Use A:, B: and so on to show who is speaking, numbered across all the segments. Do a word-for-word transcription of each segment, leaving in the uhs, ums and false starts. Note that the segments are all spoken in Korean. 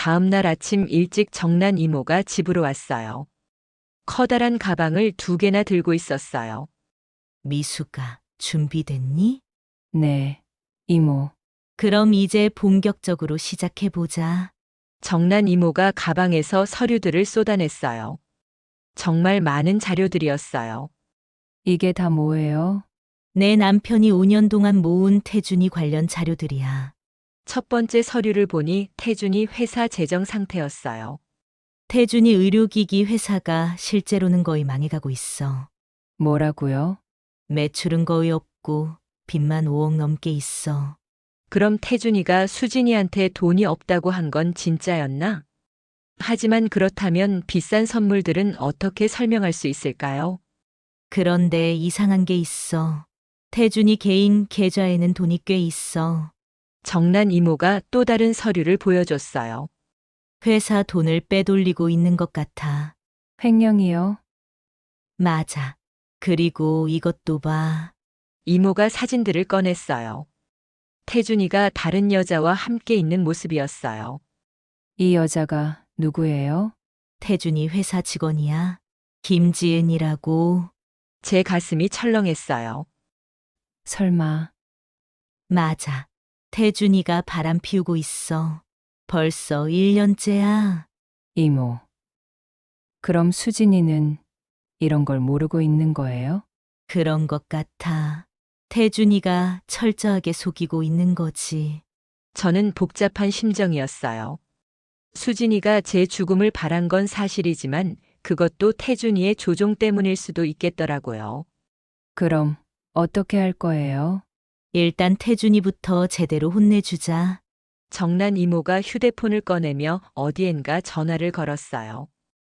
A: 다음 날 아침 일찍 정난 이모가 집으로 왔어요. 커다란 가방을 두 개나 들고 있었어요.
B: 미수가 준비됐니?
C: 네, 이모.
B: 그럼 이제 본격적으로 시작해보자.
A: 정난 이모가 가방에서 서류들을 쏟아냈어요. 정말 많은 자료들이었어요.
C: 이게 다 뭐예요?
B: 내 남편이 오 년 동안 모은 태준이 관련 자료들이야.
A: 첫 번째 서류를 보니 태준이 회사 재정 상태였어요.
B: 태준이 의료기기 회사가 실제로는 거의 망해가고 있어.
C: 뭐라고요?
B: 매출은 거의 없고 빚만 오억 넘게 있어.
A: 그럼 태준이가 수진이한테 돈이 없다고 한 건 진짜였나? 하지만 그렇다면 비싼 선물들은 어떻게 설명할 수 있을까요?
B: 그런데 이상한 게 있어. 태준이 개인 계좌에는 돈이 꽤 있어.
A: 정난 이모가 또 다른 서류를 보여줬어요.
B: 회사 돈을 빼돌리고 있는 것 같아.
C: 횡령이요?
B: 맞아. 그리고 이것도 봐.
A: 이모가 사진들을 꺼냈어요. 태준이가 다른 여자와 함께 있는 모습이었어요.
C: 이 여자가 누구예요?
B: 태준이 회사 직원이야. 김지은이라고.
A: 제 가슴이 철렁했어요.
C: 설마,
B: 맞아. 태준이가 바람 피우고 있어. 벌써 일 년째야.
C: 이모. 그럼 수진이는 이런 걸 모르고 있는 거예요?
B: 그런 것 같아. 태준이가 철저하게 속이고 있는 거지.
A: 저는 복잡한 심정이었어요. 수진이가 제 죽음을 바란 건 사실이지만 그것도 태준이의 조종 때문일 수도 있겠더라고요.
C: 그럼 어떻게 할 거예요?
B: 일단 태준이부터 제대로 혼내주자.
A: 정난 이모가 휴대폰을 꺼내며 어디엔가 전화를 걸었어요.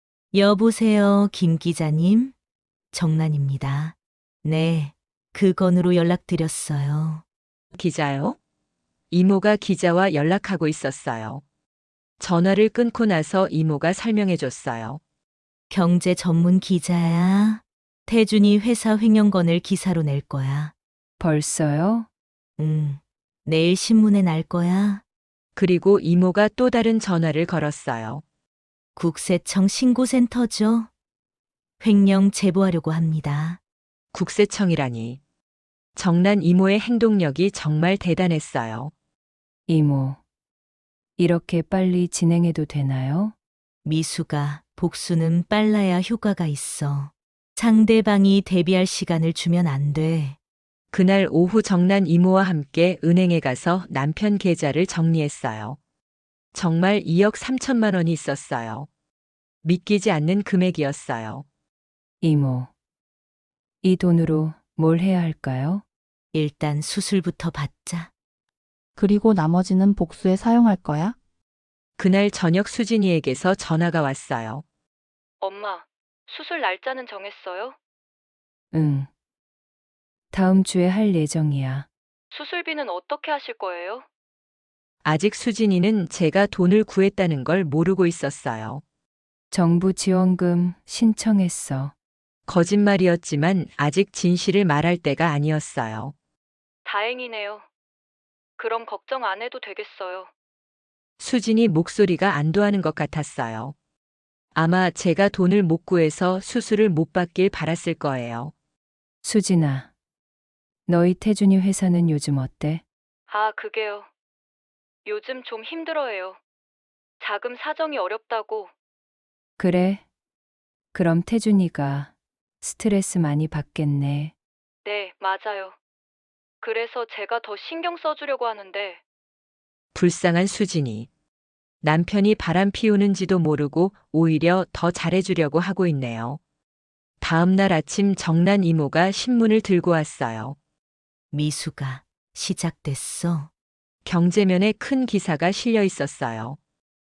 B: 여보세요, 김 기자님? 정란입니다. 네, 그 건으로 연락드렸어요.
A: 기자요? 이모가 기자와 연락하고 있었어요. 전화를 끊고 나서 이모가 설명해 줬어요.
B: 경제 전문 기자야. 태준이 회사 횡령건을 기사로 낼 거야.
C: 벌써요?
B: 응, 내일 신문에 날 거야.
A: 그리고 이모가 또 다른 전화를 걸었어요.
B: 국세청 신고센터죠. 횡령 제보하려고 합니다.
A: 국세청이라니. 정난 이모의 행동력이 정말 대단했어요.
C: 이모. 이렇게 빨리 진행해도 되나요?
B: 미수가 복수는 빨라야 효과가 있어. 상대방이 대비할 시간을 주면 안 돼.
A: 그날 오후 정난 이모와 함께 은행에 가서 남편 계좌를 정리했어요. 정말 이억 삼천만 원이 있었어요. 믿기지 않는 금액이었어요.
C: 이모. 이 돈으로 뭘 해야 할까요?
B: 일단 수술부터 받자.
D: 그리고 나머지는 복수에 사용할 거야?
A: 그날 저녁 수진이에게서 전화가 왔어요.
E: 엄마, 수술 날짜는 정했어요?
C: 응. 다음 주에 할 예정이야.
E: 수술비는 어떻게 하실 거예요?
A: 아직 수진이는 제가 돈을 구했다는 걸 모르고 있었어요.
C: 정부 지원금 신청했어.
A: 거짓말이었지만 아직 진실을 말할 때가 아니었어요.
E: 다행이네요. 그럼 걱정 안 해도 되겠어요.
A: 수진이 목소리가 안도하는 것 같았어요. 아마 제가 돈을 못 구해서 수술을 못 받길 바랐을 거예요.
C: 수진아. 너희 태준이 회사는 요즘 어때?
E: 아, 그게요. 요즘 좀 힘들어해요. 자금 사정이 어렵다고.
C: 그래? 그럼 태준이가 스트레스 많이 받겠네.
E: 네, 맞아요. 그래서 제가 더 신경 써주려고 하는데,
A: 불쌍한 수진이. 남편이 바람 피우는지도 모르고 오히려 더 잘해주려고 하고 있네요. 다음 날 아침 정난 이모가 신문을 들고 왔어요.
B: 미수가 시작됐어.
A: 경제면에 큰 기사가 실려 있었어요.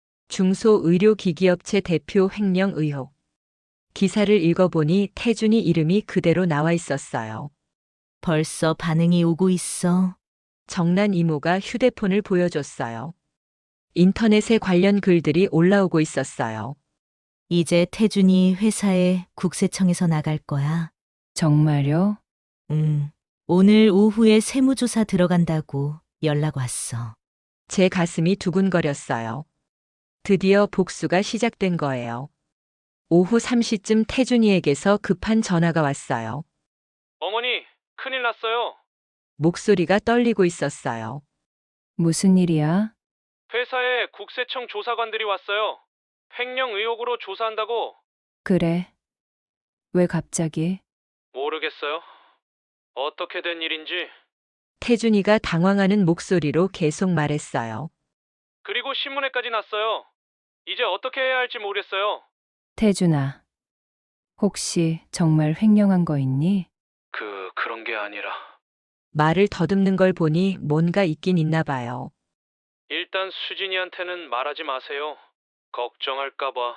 A: 중소의료기기업체 대표 횡령 의혹. 기사를 읽어보니 태준이 이름이 그대로 나와 있었어요.
B: 벌써 반응이 오고 있어.
A: 정난 이모가 휴대폰을 보여줬어요. 인터넷에 관련 글들이 올라오고 있었어요.
B: 이제 태준이 회사에 국세청에서 나갈 거야.
C: 정말요?
B: 응. 오늘 오후에 세무조사 들어간다고 연락 왔어.
A: 제 가슴이 두근거렸어요. 드디어 복수가 시작된 거예요. 오후 세 시쯤 태준이에게서 급한 전화가 왔어요.
F: 어머니, 큰일 났어요.
A: 목소리가 떨리고 있었어요.
C: 무슨 일이야?
F: 회사에 국세청 조사관들이 왔어요. 횡령 의혹으로 조사한다고.
C: 그래. 왜 갑자기?
F: 모르겠어요. 어떻게 된 일인지.
A: 태준이가 당황하는 목소리로 계속 말했어요.
F: 그리고 신문에까지 났어요. 이제 어떻게 해야 할지 모르겠어요.
C: 태준아. 혹시 정말 횡령한 거 있니?
F: 그, 그런 게 아니라.
A: 말을 더듬는 걸 보니 뭔가 있긴 있나 봐요.
F: 일단 수진이한테는 말하지 마세요. 걱정할까봐.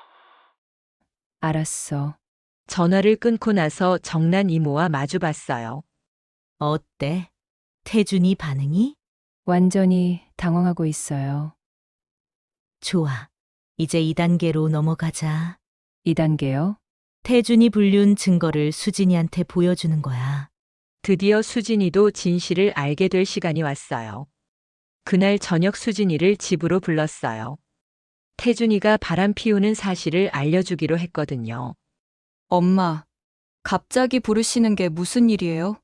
C: 알았어.
A: 전화를 끊고 나서 정난 이모와 마주 봤어요.
B: 어때? 태준이 반응이?
C: 완전히 당황하고 있어요.
B: 좋아. 이제 이 단계로 넘어가자.
C: 이 단계요?
B: 태준이 불륜 증거를 수진이한테 보여주는 거야.
A: 드디어 수진이도 진실을 알게 될 시간이 왔어요. 그날 저녁 수진이를 집으로 불렀어요. 태준이가 바람 피우는 사실을 알려주기로 했거든요.
E: 엄마, 갑자기 부르시는 게 무슨 일이에요?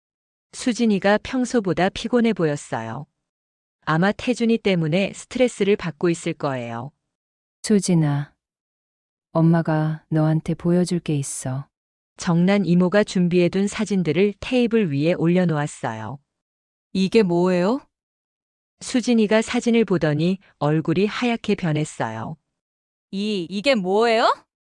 A: 수진이가 평소보다 피곤해 보였어요. 아마 태준이 때문에 스트레스를 받고 있을 거예요.
C: 수진아. 엄마가 너한테 보여줄 게 있어.
A: 정난 이모가 준비해둔 사진들을 테이블 위에 올려놓았어요.
E: 이게 뭐예요?
A: 수진이가 사진을 보더니 얼굴이 하얗게 변했어요.
E: 이, 이게 뭐예요?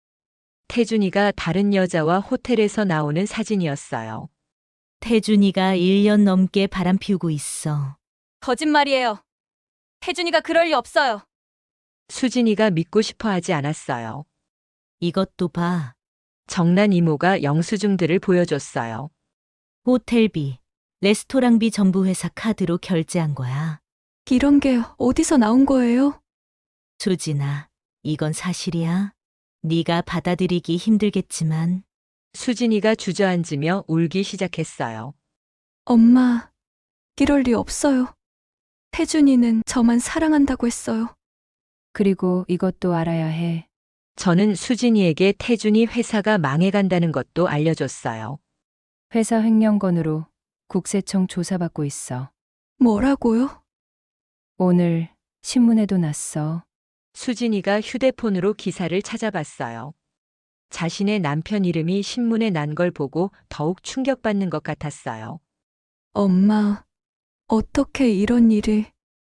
A: 태준이가 다른 여자와 호텔에서 나오는 사진이었어요.
B: 태준이가 일 년 넘게 바람 피우고 있어.
E: 거짓말이에요. 태준이가 그럴 리 없어요.
A: 수진이가 믿고 싶어 하지 않았어요.
B: 이것도 봐.
A: 정난 이모가 영수증들을 보여줬어요.
B: 호텔비, 레스토랑비 전부 회사 카드로 결제한 거야.
E: 이런 게 어디서 나온 거예요?
B: 수진아, 이건 사실이야. 네가 받아들이기 힘들겠지만
A: 수진이가 주저앉으며 울기 시작했어요.
E: 엄마, 이럴 리 없어요. 태준이는 저만 사랑한다고 했어요.
C: 그리고 이것도 알아야 해.
A: 저는 수진이에게 태준이 회사가 망해간다는 것도 알려줬어요.
C: 회사 횡령건으로 국세청 조사받고 있어.
E: 뭐라고요?
C: 오늘 신문에도 났어.
A: 수진이가 휴대폰으로 기사를 찾아봤어요. 자신의 남편 이름이 신문에 난 걸 보고 더욱 충격받는 것 같았어요.
E: 엄마, 어떻게 이런 일이...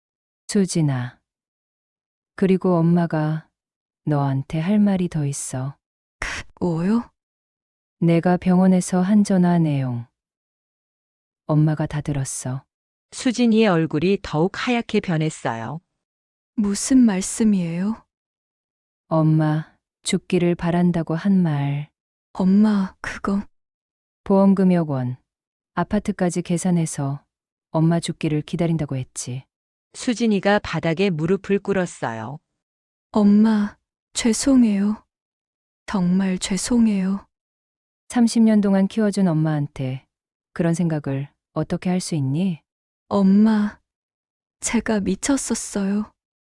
C: 수진아. 그리고 엄마가 너한테 할 말이 더 있어.
E: 뭐요?
C: 내가 병원에서 한 전화 내용. 엄마가 다 들었어.
A: 수진이의 얼굴이 더욱 하얗게 변했어요.
E: 무슨 말씀이에요?
C: 엄마, 죽기를 바란다고 한 말.
E: 엄마, 그거...
C: 보험금 원. 아파트까지 계산해서 엄마 죽기를 기다린다고 했지.
A: 수진이가 바닥에 무릎을 꿇었어요.
E: 엄마, 죄송해요. 정말 죄송해요.
C: 삼십 년 동안 키워준 엄마한테 그런 생각을 어떻게 할 수 있니?
E: 엄마, 제가 미쳤었어요.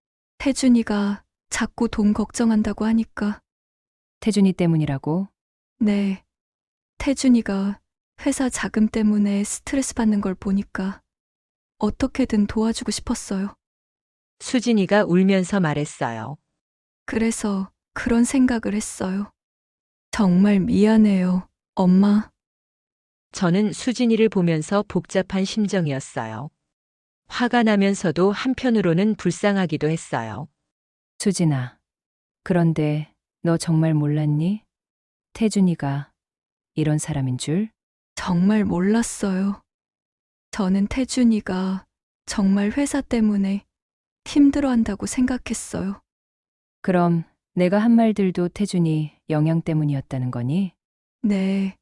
E: 태준이가 자꾸 돈 걱정한다고 하니까.
C: 태준이 때문이라고?
E: 네, 태준이가 회사 자금 때문에 스트레스 받는 걸 보니까 어떻게든 도와주고 싶었어요.
A: 수진이가 울면서 말했어요.
E: 그래서 그런 생각을 했어요. 정말 미안해요, 엄마.
A: 저는 수진이를 보면서 복잡한 심정이었어요. 화가 나면서도 한편으로는 불쌍하기도 했어요.
C: 수진아. 그런데 너 정말 몰랐니? 태준이가 이런 사람인 줄?
E: 정말 몰랐어요. 저는 태준이가 정말 회사 때문에 힘들어한다고 생각했어요.
C: 그럼 내가 한 말들도 태준이 영향 때문이었다는 거니?
E: 네.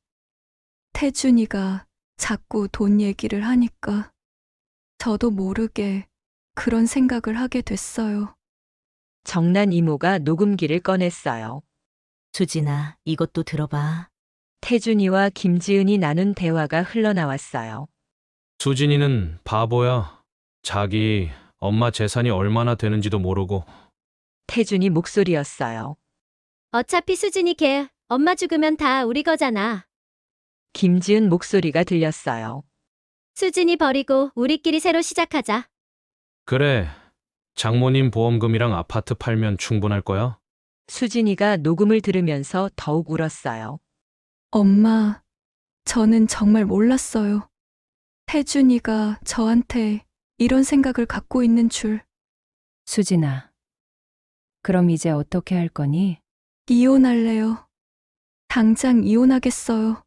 E: 태준이가 자꾸 돈 얘기를 하니까 저도 모르게 그런 생각을 하게 됐어요.
A: 정난 이모가 녹음기를 꺼냈어요.
B: 수진아, 이것도 들어봐.
A: 태준이와 김지은이 나눈 대화가 흘러나왔어요.
F: 수진이는 바보야. 자기 엄마 재산이 얼마나 되는지도 모르고.
A: 태준이 목소리였어요.
G: 어차피 수진이 걔 엄마 죽으면 다 우리 거잖아.
A: 김지은 목소리가 들렸어요.
G: 수진이 버리고 우리끼리 새로 시작하자.
F: 그래. 장모님 보험금이랑 아파트 팔면 충분할 거야?
A: 수진이가 녹음을 들으면서 더욱 울었어요.
H: 엄마, 저는 정말 몰랐어요. 태준이가 저한테 이런 생각을 갖고 있는 줄.
C: 수진아. 그럼 이제 어떻게 할 거니?
H: 이혼할래요. 당장 이혼하겠어요.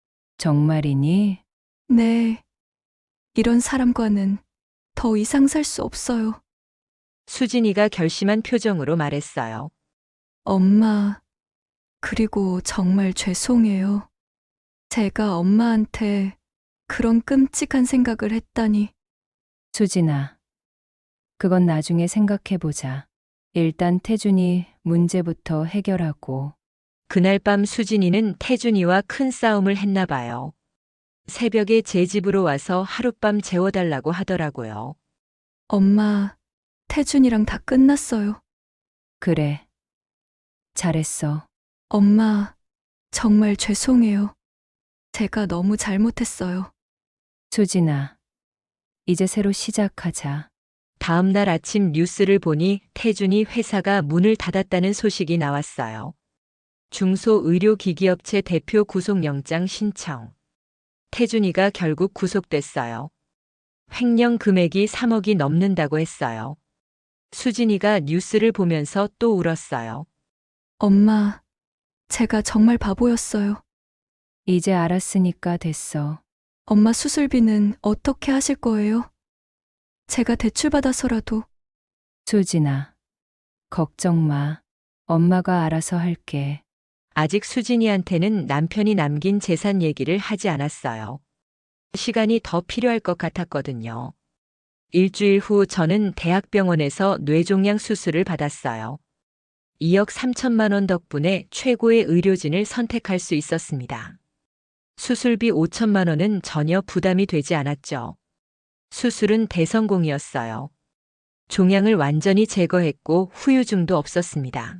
C: 정말이니?
H: 네. 이런 사람과는 더 이상 살 수 없어요.
A: 수진이가 결심한 표정으로 말했어요.
H: 엄마, 그리고 정말 죄송해요. 제가 엄마한테 그런 끔찍한 생각을 했다니.
C: 수진아. 그건 나중에 생각해보자. 일단 태준이 문제부터 해결하고.
A: 그날 밤 수진이는 태준이와 큰 싸움을 했나 봐요. 새벽에 제 집으로 와서 하룻밤 재워달라고 하더라고요.
H: 엄마, 태준이랑 다 끝났어요.
C: 그래. 잘했어.
H: 엄마, 정말 죄송해요. 제가 너무 잘못했어요.
C: 수진아. 이제 새로 시작하자.
A: 다음 날 아침 뉴스를 보니 태준이 회사가 문을 닫았다는 소식이 나왔어요. 중소의료기기업체 대표 구속영장 신청. 태준이가 결국 구속됐어요. 횡령 금액이 삼억이 넘는다고 했어요. 수진이가 뉴스를 보면서 또 울었어요.
H: 엄마, 제가 정말 바보였어요.
C: 이제 알았으니까 됐어.
H: 엄마 수술비는 어떻게 하실 거예요? 제가 대출받아서라도.
C: 수진아. 걱정 마. 엄마가 알아서 할게.
A: 아직 수진이한테는 남편이 남긴 재산 얘기를 하지 않았어요. 시간이 더 필요할 것 같았거든요. 일주일 후 저는 대학병원에서 뇌종양 수술을 받았어요. 이억 삼천만 원 덕분에 최고의 의료진을 선택할 수 있었습니다. 수술비 오천만 원은 전혀 부담이 되지 않았죠. 수술은 대성공이었어요. 종양을 완전히 제거했고 후유증도 없었습니다.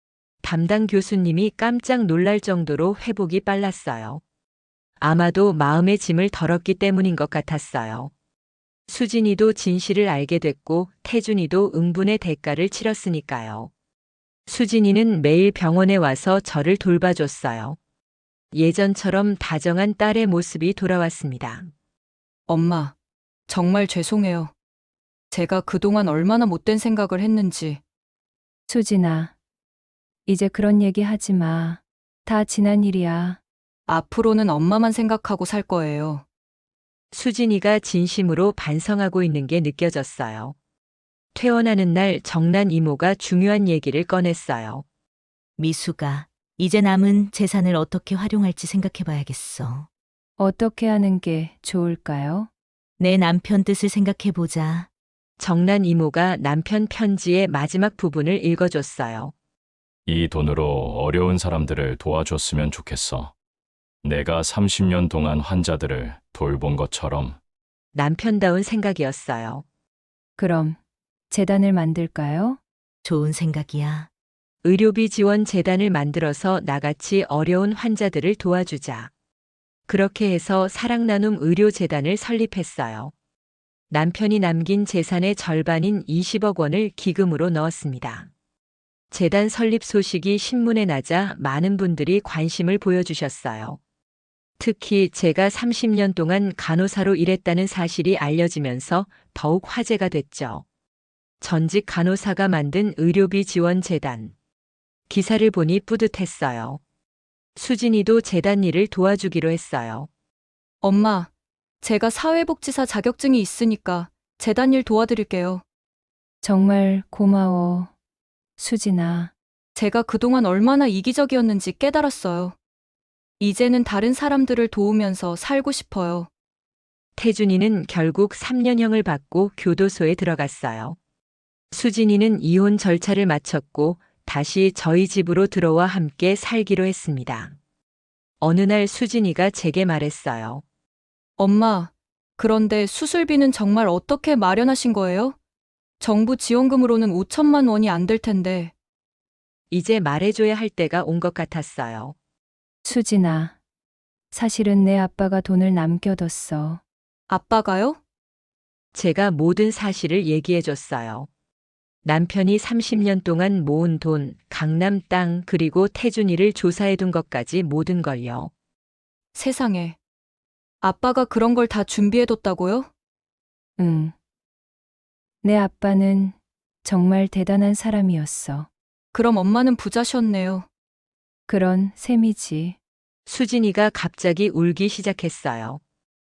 A: 담당 교수님이 깜짝 놀랄 정도로 회복이 빨랐어요. 아마도 마음의 짐을 덜었기 때문인 것 같았어요. 수진이도 진실을 알게 됐고 태준이도 응분의 대가를 치렀으니까요. 수진이는 매일 병원에 와서 저를 돌봐줬어요. 예전처럼 다정한 딸의 모습이 돌아왔습니다.
H: 엄마, 정말 죄송해요. 제가 그동안 얼마나 못된 생각을 했는지.
C: 수진아. 이제 그런 얘기 하지 마. 다 지난 일이야.
H: 앞으로는 엄마만 생각하고 살 거예요.
A: 수진이가 진심으로 반성하고 있는 게 느껴졌어요. 퇴원하는 날 정난 이모가 중요한 얘기를 꺼냈어요.
B: 미수가 이제 남은 재산을 어떻게 활용할지 생각해봐야겠어.
C: 어떻게 하는 게 좋을까요?
B: 내 남편 뜻을 생각해보자.
A: 정난 이모가 남편 편지의 마지막 부분을 읽어줬어요.
I: 이 돈으로 어려운 사람들을 도와줬으면 좋겠어. 내가 삼십 년 동안 환자들을 돌본 것처럼.
A: 남편다운 생각이었어요.
C: 그럼 재단을 만들까요?
B: 좋은 생각이야.
A: 의료비 지원 재단을 만들어서 나같이 어려운 환자들을 도와주자. 그렇게 해서 사랑나눔 의료재단을 설립했어요. 남편이 남긴 재산의 절반인 이십억 원을 기금으로 넣었습니다. 재단 설립 소식이 신문에 나자 많은 분들이 관심을 보여주셨어요. 특히 제가 삼십 년 동안 간호사로 일했다는 사실이 알려지면서 더욱 화제가 됐죠. 전직 간호사가 만든 의료비 지원 재단. 기사를 보니 뿌듯했어요. 수진이도 재단 일을 도와주기로 했어요.
H: 엄마, 제가 사회복지사 자격증이 있으니까 재단 일 도와드릴게요.
C: 정말 고마워. 수진아.
H: 제가 그동안 얼마나 이기적이었는지 깨달았어요. 이제는 다른 사람들을 도우면서 살고 싶어요.
A: 태준이는 결국 삼 년형을 받고 교도소에 들어갔어요. 수진이는 이혼 절차를 마쳤고 다시 저희 집으로 들어와 함께 살기로 했습니다. 어느 날 수진이가 제게 말했어요.
H: 엄마, 그런데 수술비는 정말 어떻게 마련하신 거예요? 정부 지원금으로는 오천만 원이 안 될 텐데.
A: 이제 말해줘야 할 때가 온 것 같았어요.
C: 수진아, 사실은 내 아빠가 돈을 남겨뒀어.
H: 아빠가요?
A: 제가 모든 사실을 얘기해줬어요. 남편이 삼십 년 동안 모은 돈, 강남 땅, 그리고 태준이를 조사해둔 것까지 모든 걸요.
H: 세상에. 아빠가 그런 걸 다 준비해뒀다고요?
C: 응. 내 아빠는 정말 대단한 사람이었어.
H: 그럼 엄마는 부자셨네요.
C: 그런 셈이지.
A: 수진이가 갑자기 울기 시작했어요.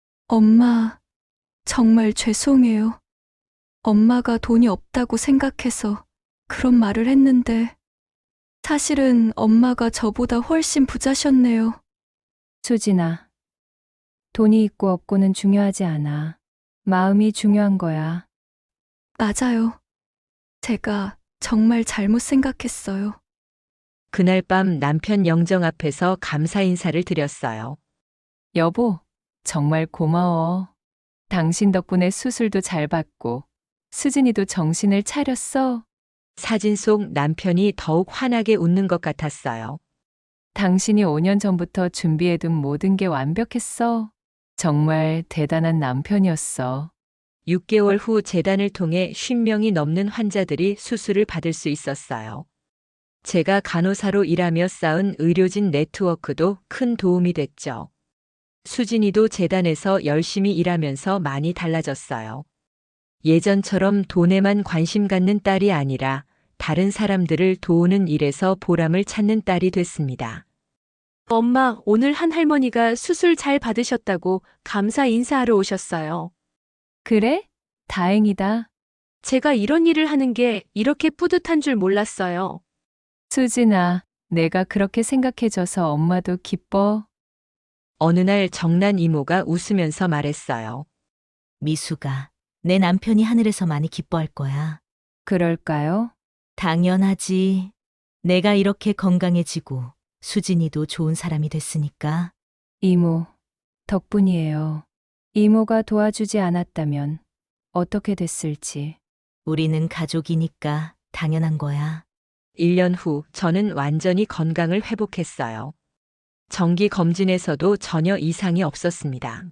H: 엄마, 정말 죄송해요. 엄마가 돈이 없다고 생각해서 그런 말을 했는데, 사실은 엄마가 저보다 훨씬 부자셨네요.
C: 수진아, 돈이 있고 없고는 중요하지 않아. 마음이 중요한 거야.
H: 맞아요. 제가 정말 잘못 생각했어요.
A: 그날 밤 남편 영정 앞에서 감사 인사를 드렸어요.
C: 여보, 정말 고마워. 당신 덕분에 수술도 잘 받고 수진이도 정신을 차렸어.
A: 사진 속 남편이 더욱 환하게 웃는 것 같았어요.
C: 당신이 오 년 전부터 준비해둔 모든 게 완벽했어. 정말 대단한 남편이었어.
A: 육 개월 후 재단을 통해 쉰 명이 넘는 환자들이 수술을 받을 수 있었어요. 제가 간호사로 일하며 쌓은 의료진 네트워크도 큰 도움이 됐죠. 수진이도 재단에서 열심히 일하면서 많이 달라졌어요. 예전처럼 돈에만 관심 갖는 딸이 아니라 다른 사람들을 도우는 일에서 보람을 찾는 딸이 됐습니다.
J: 엄마, 오늘 한 할머니가 수술 잘 받으셨다고 감사 인사하러 오셨어요.
C: 그래? 다행이다.
J: 제가 이런 일을 하는 게 이렇게 뿌듯한 줄 몰랐어요.
C: 수진아, 내가 그렇게 생각해줘서 엄마도 기뻐.
A: 어느 날 정난 이모가 웃으면서 말했어요.
B: 미수가 내 남편이 하늘에서 많이 기뻐할 거야.
C: 그럴까요?
B: 당연하지. 내가 이렇게 건강해지고 수진이도 좋은 사람이 됐으니까.
C: 이모, 덕분이에요. 이모가 도와주지 않았다면 어떻게 됐을지.
B: 우리는 가족이니까 당연한 거야.
A: 일 년 후 저는 완전히 건강을 회복했어요. 정기 검진에서도 전혀 이상이 없었습니다.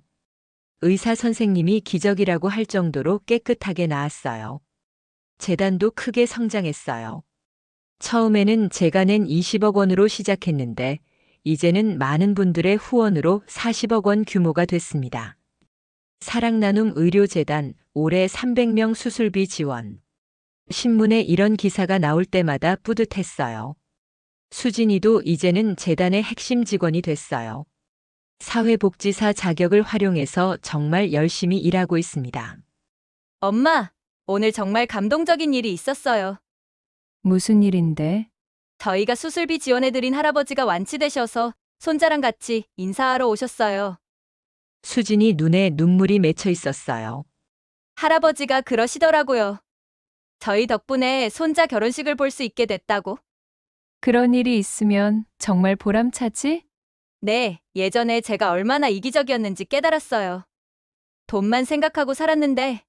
A: 의사 선생님이 기적이라고 할 정도로 깨끗하게 나았어요. 재단도 크게 성장했어요. 처음에는 제가 낸 이십억 원으로 시작했는데 이제는 많은 분들의 후원으로 사십억 원 규모가 됐습니다. 사랑나눔 의료재단 올해 삼백 명 수술비 지원. 신문에 이런 기사가 나올 때마다 뿌듯했어요. 수진이도 이제는 재단의 핵심 직원이 됐어요. 사회복지사 자격을 활용해서 정말 열심히 일하고 있습니다.
H: 엄마, 오늘 정말 감동적인 일이 있었어요.
C: 무슨 일인데?
H: 저희가 수술비 지원해드린 할아버지가 완치되셔서 손자랑 같이 인사하러 오셨어요.
A: 수진이 눈에 눈물이 맺혀 있었어요.
H: 할아버지가 그러시더라고요. 저희 덕분에 손자 결혼식을 볼 수 있게 됐다고.
C: 그런 일이 있으면 정말 보람차지?
H: 네, 예전에 제가 얼마나 이기적이었는지 깨달았어요. 돈만 생각하고 살았는데.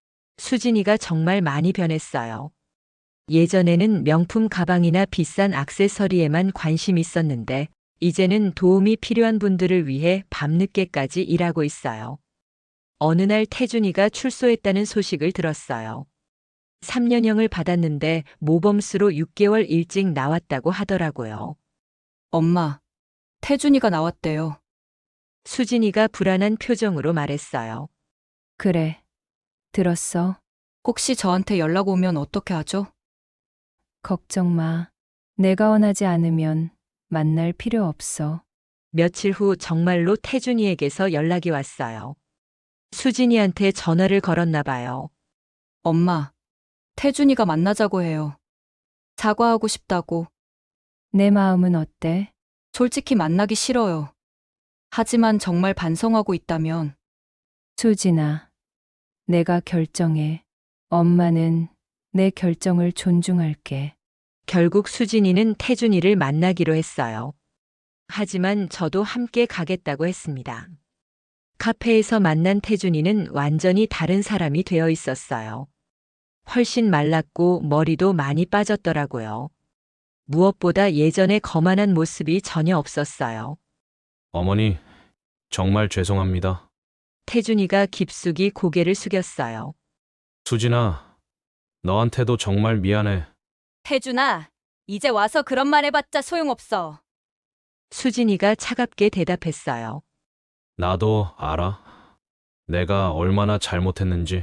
A: 수진이가 정말 많이 변했어요. 예전에는 명품 가방이나 비싼 액세서리에만 관심 있었는데 이제는 도움이 필요한 분들을 위해 밤늦게까지 일하고 있어요. 어느 날 태준이가 출소했다는 소식을 들었어요. 삼 년형을 받았는데 모범수로 육 개월 일찍 나왔다고 하더라고요.
H: 엄마, 태준이가 나왔대요.
A: 수진이가 불안한 표정으로 말했어요.
C: 그래. 들었어.
H: 혹시 저한테 연락 오면 어떻게 하죠?
C: 걱정 마. 내가 원하지 않으면 만날 필요 없어.
A: 며칠 후 정말로 태준이에게서 연락이 왔어요. 수진이한테 전화를 걸었나 봐요.
H: 엄마, 태준이가 만나자고 해요. 사과하고 싶다고.
C: 내 마음은 어때?
H: 솔직히 만나기 싫어요. 하지만 정말 반성하고 있다면.
C: 수진아, 내가 결정해. 엄마는 내 결정을 존중할게.
A: 결국 수진이는 태준이를 만나기로 했어요. 하지만 저도 함께 가겠다고 했습니다. 카페에서 만난 태준이는 완전히 다른 사람이 되어 있었어요. 훨씬 말랐고 머리도 많이 빠졌더라고요. 무엇보다 예전의 거만한 모습이 전혀 없었어요.
F: 어머니, 정말 죄송합니다.
A: 태준이가 깊숙이 고개를 숙였어요.
F: 수진아, 너한테도 정말 미안해.
H: 태준아, 이제 와서 그런 말 해봤자 소용없어.
A: 수진이가 차갑게 대답했어요.
F: 나도 알아. 내가 얼마나 잘못했는지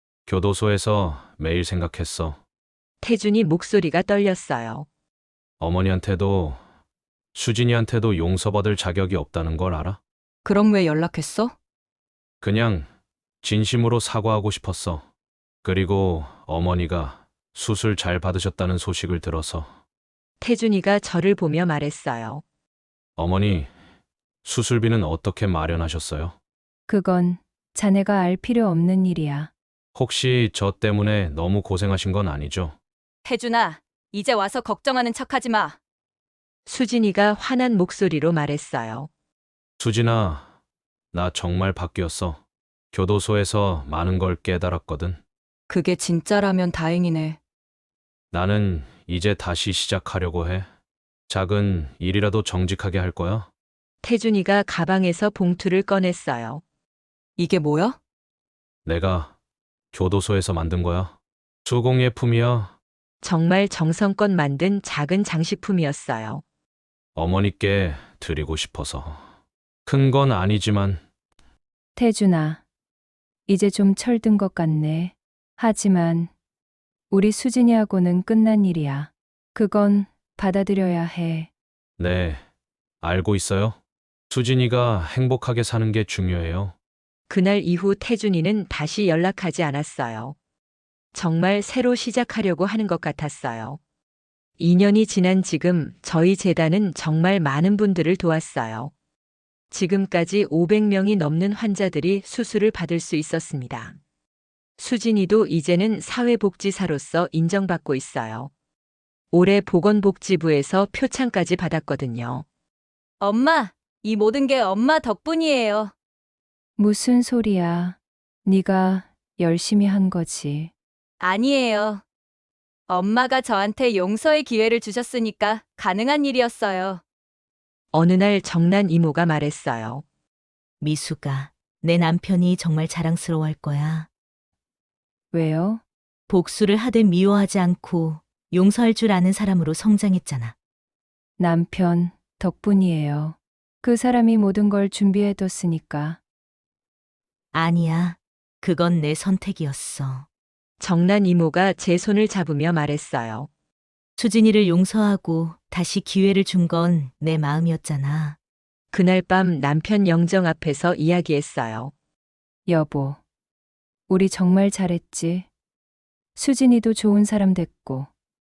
F: 교도소에서 매일 생각했어.
A: 태준이 목소리가 떨렸어요.
F: 어머니한테도 수진이한테도 용서받을 자격이 없다는 걸 알아?
H: 그럼 왜 연락했어?
F: 그냥 진심으로 사과하고 싶었어. 그리고 어머니가 수술 잘 받으셨다는 소식을 들어서.
A: 태준이가 저를 보며 말했어요.
F: 어머니, 수술비는 어떻게 마련하셨어요?
C: 그건 자네가 알 필요 없는 일이야.
F: 혹시 저 때문에 너무 고생하신 건 아니죠?
H: 태준아, 이제 와서 걱정하는 척하지 마.
A: 수진이가 화난 목소리로 말했어요.
F: 수진아, 나 정말 바뀌었어. 교도소에서 많은 걸 깨달았거든.
H: 그게 진짜라면 다행이네.
F: 나는 이제 다시 시작하려고 해. 작은 일이라도 정직하게 할 거야.
A: 태준이가 가방에서 봉투를 꺼냈어요.
H: 이게 뭐야?
F: 내가 교도소에서 만든 거야. 수공예품이야.
A: 정말 정성껏 만든 작은 장식품이었어요.
F: 어머니께 드리고 싶어서. 큰 건 아니지만.
C: 태준아, 이제 좀 철든 것 같네. 하지만 우리 수진이하고는 끝난 일이야. 그건 받아들여야 해.
F: 네, 알고 있어요. 수진이가 행복하게 사는 게 중요해요.
A: 그날 이후 태준이는 다시 연락하지 않았어요. 정말 새로 시작하려고 하는 것 같았어요. 이 년이 지난 지금 저희 재단은 정말 많은 분들을 도왔어요. 지금까지 오백 명이 넘는 환자들이 수술을 받을 수 있었습니다. 수진이도 이제는 사회복지사로서 인정받고 있어요. 올해 보건복지부에서 표창까지 받았거든요.
H: 엄마, 이 모든 게 엄마 덕분이에요.
C: 무슨 소리야. 네가 열심히 한 거지.
H: 아니에요. 엄마가 저한테 용서의 기회를 주셨으니까 가능한 일이었어요.
A: 어느 날 정난 이모가 말했어요.
B: 미수가, 내 남편이 정말 자랑스러워할 거야.
C: 왜요?
B: 복수를 하되 미워하지 않고 용서할 줄 아는 사람으로 성장했잖아.
C: 남편 덕분이에요. 그 사람이 모든 걸 준비해뒀으니까.
B: 아니야. 그건 내 선택이었어.
A: 정난 이모가 제 손을 잡으며 말했어요.
B: 수진이를 용서하고 다시 기회를 준 건 내 마음이었잖아.
A: 그날 밤 남편 영정 앞에서 이야기했어요.
C: 여보, 우리 정말 잘했지. 수진이도 좋은 사람 됐고,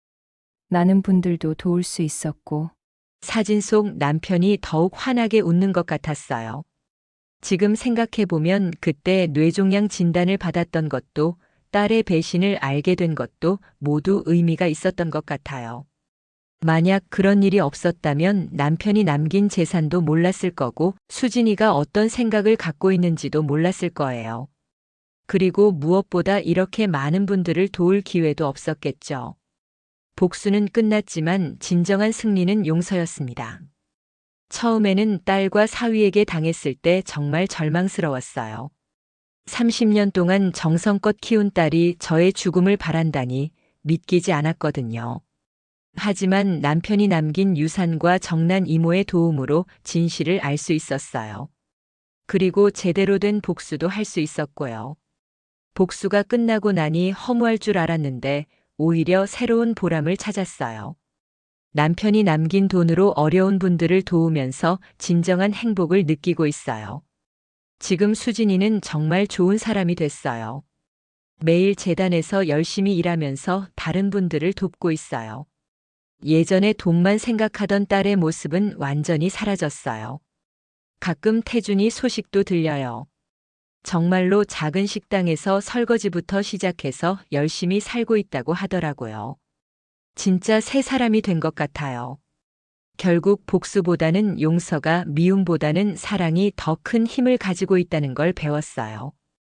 C: 나는 분들도 도울 수 있었고.
A: 사진 속 남편이 더욱 환하게 웃는 것 같았어요. 지금 생각해보면 그때 뇌종양 진단을 받았던 것도 딸의 배신을 알게 된 것도 모두 의미가 있었던 것 같아요. 만약 그런 일이 없었다면 남편이 남긴 재산도 몰랐을 거고 수진이가 어떤 생각을 갖고 있는지도 몰랐을 거예요. 그리고 무엇보다 이렇게 많은 분들을 도울 기회도 없었겠죠. 복수는 끝났지만 진정한 승리는 용서였습니다. 처음에는 딸과 사위에게 당했을 때 정말 절망스러웠어요. 삼십 년 동안 정성껏 키운 딸이 저의 죽음을 바란다니 믿기지 않았거든요. 하지만 남편이 남긴 유산과 정난 이모의 도움으로 진실을 알 수 있었어요. 그리고 제대로 된 복수도 할 수 있었고요. 복수가 끝나고 나니 허무할 줄 알았는데 오히려 새로운 보람을 찾았어요. 남편이 남긴 돈으로 어려운 분들을 도우면서 진정한 행복을 느끼고 있어요. 지금 수진이는 정말 좋은 사람이 됐어요. 매일 재단에서 열심히 일하면서 다른 분들을 돕고 있어요. 예전에 돈만 생각하던 딸의 모습은 완전히 사라졌어요. 가끔 태준이 소식도 들려요. 정말로 작은 식당에서 설거지부터 시작해서 열심히 살고 있다고 하더라고요. 진짜 새 사람이 된 것 같아요. 결국 복수보다는 용서가 미움보다는 사랑이 더 큰 힘을 가지고 있다는 걸 배웠어요.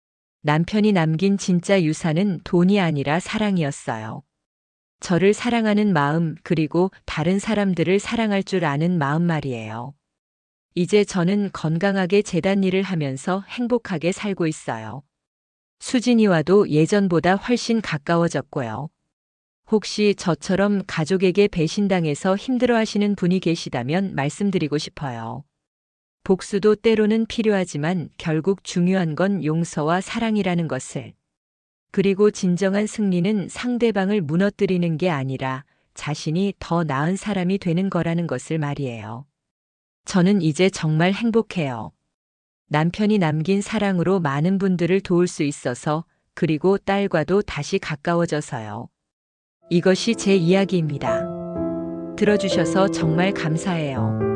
A: 남편이 남긴 진짜 유산은 돈이 아니라 사랑이었어요. 저를 사랑하는 마음, 그리고 다른 사람들을 사랑할 줄 아는 마음 말이에요. 이제 저는 건강하게 재단 일을 하면서 행복하게 살고 있어요. 수진이와도 예전보다 훨씬 가까워졌고요. 혹시 저처럼 가족에게 배신당해서 힘들어하시는 분이 계시다면 말씀드리고 싶어요. 복수도 때로는 필요하지만 결국 중요한 건 용서와 사랑이라는 것을. 그리고 진정한 승리는 상대방을 무너뜨리는 게 아니라 자신이 더 나은 사람이 되는 거라는 것을 말이에요. 저는 이제 정말 행복해요. 남편이 남긴 사랑으로 많은 분들을 도울 수 있어서, 그리고 딸과도 다시 가까워져서요. 이것이 제 이야기입니다. 들어주셔서 정말 감사해요.